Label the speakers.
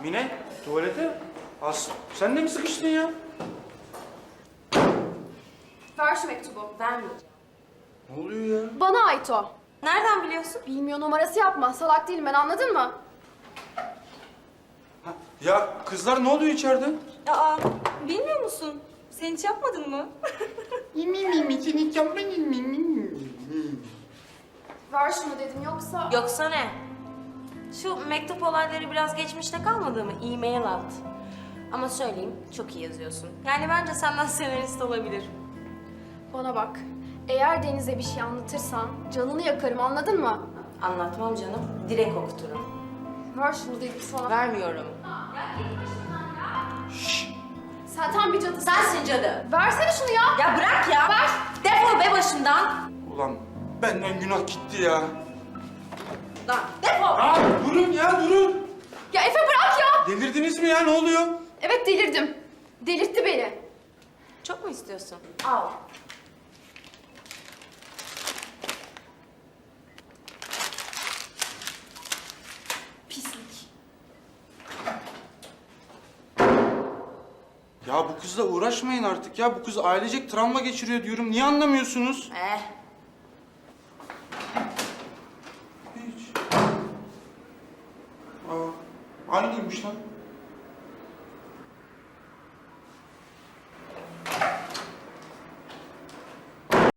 Speaker 1: Mine, tuvalete. Sen de mi sıkıştın ya?
Speaker 2: Ver şu mektubu.
Speaker 3: Vermeyeceğim.
Speaker 1: Ne oluyor ya?
Speaker 2: Bana ait o.
Speaker 3: Nereden biliyorsun?
Speaker 2: Bilmiyor numarası yapma. Salak değilim ben, anladın mı?
Speaker 1: Ya kızlar ne oluyor içeride?
Speaker 3: Aa, bilmiyor musun? Sen hiç yapmadın mı?
Speaker 2: Ver şunu dedim, yoksa...
Speaker 3: Yoksa ne? Şu mektup olayları biraz geçmişte kalmadı mı? E-mail at. Ama söyleyeyim, çok iyi yazıyorsun. Yani bence senden senarist olabilir.
Speaker 2: Bana bak. Eğer Deniz'e bir şey anlatırsan canını yakarım, anladın mı?
Speaker 3: Anlatmam canım, direkt okuturum.
Speaker 2: Ver şunu dedim sana.
Speaker 3: Vermiyorum.
Speaker 2: Sen tam bir cadısın.
Speaker 3: Sensin cadı.
Speaker 2: Versene şunu ya.
Speaker 3: Ya bırak ya.
Speaker 2: Ver.
Speaker 3: Defol be başımdan.
Speaker 1: Ulan benden günah gitti ya.
Speaker 3: Lan defol.
Speaker 1: Aa, durun ya durun.
Speaker 2: Ya Efe bırak ya.
Speaker 1: Delirdiniz mi ya, ne oluyor?
Speaker 2: Evet, delirdim. Delirtti beni.
Speaker 3: Çok mu istiyorsun? Al.
Speaker 2: Pislik.
Speaker 1: Ya bu kızla uğraşmayın artık ya. Bu kız ailecek travma geçiriyor diyorum. Niye anlamıyorsunuz? Hiç. Aa, aynıymış lan.